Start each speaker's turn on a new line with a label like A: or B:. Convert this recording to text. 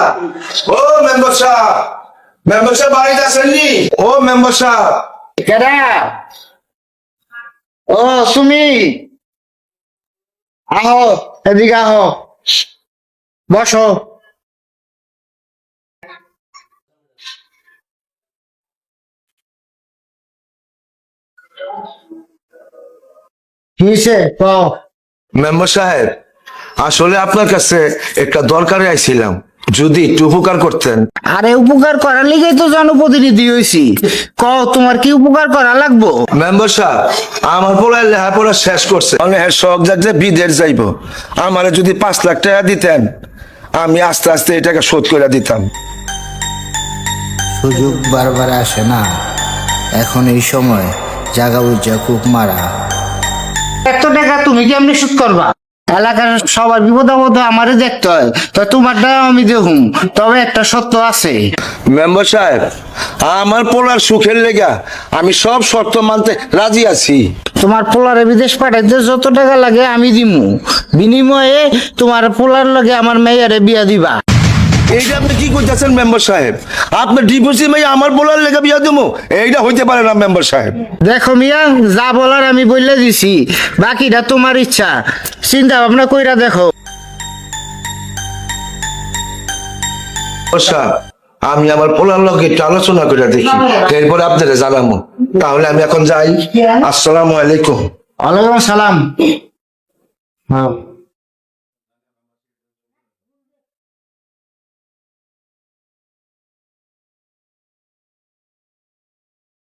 A: ও member সাহেব, member সাহেব বাড়িতে আসেননি? ও মেম্বার সাহেব।
B: কেডা? ও তুমি আহো, এদিকে আহো, বসো। কিসে কও?
A: মেম্বার সাহেব, আসলে আপনার কাছে একটা দরকারে আইছিলাম, যদি একটু উপকার করতেন।
B: আরে উপকার করার লিগেই তো জনপ্রতিনিধি হইছি। কও তোমার কি উপকার করা লাগবো?
A: মেম্বার সাহেব, আমার পোলার লেখাপড়া শেষ করছে, মানে শখ যাচ্ছে বিদেশ যাইব। আমার যদি 5 লাখ টাকা দিতেন, আমি আস্তে আস্তে এই টাকা শোধ করে দিতাম।
C: সুযোগ বারবার আসে না, এখন এই সময় জাগা বুঝা কুক মারা।
B: এত টাকা তুমি কেমনি শোধ করবা? এলাকার সবার বিপদ আপদ আমারে দেখতে হয়, তো তোমারটা আমি দেখুম। তবে একটা সত্য আছে।
A: মেম্বার সাহেব, আমার পোলার সুখের লেগা আমি সব শর্ত মানতে রাজি আছি।
B: তোমার পোলারে বিদেশ পাঠাইতে যত টাকা লাগে আমি দিমু, বিনিময়ে তোমার পোলার লগে আমার মেয়েরে বিয়া দিবা।
A: এইটা আপনি কি করতেছেন মেম্বার সাহেব? আপনার ডিভোর্সি মেয়ে আমার পোলার লেগা বিয়া দেবো, এইটা হইতে পারে না মেম্বার সাহেব।
B: দেখো মিয়া, যা বলার আমি বললে দিছি, বাকিটা তোমার ইচ্ছা, চিন্তা ভাবনা কইরা দেখো।
A: সাহেব, আমি আমার পোলার লগে একটু আলোচনা করে দেখি, এরপরে আপনারা জানাবো। তাহলে আমি এখন যাই। আসসালামু আলাইকুম।
B: ওয়ালাইকুম আসসালাম। হ্যাঁ।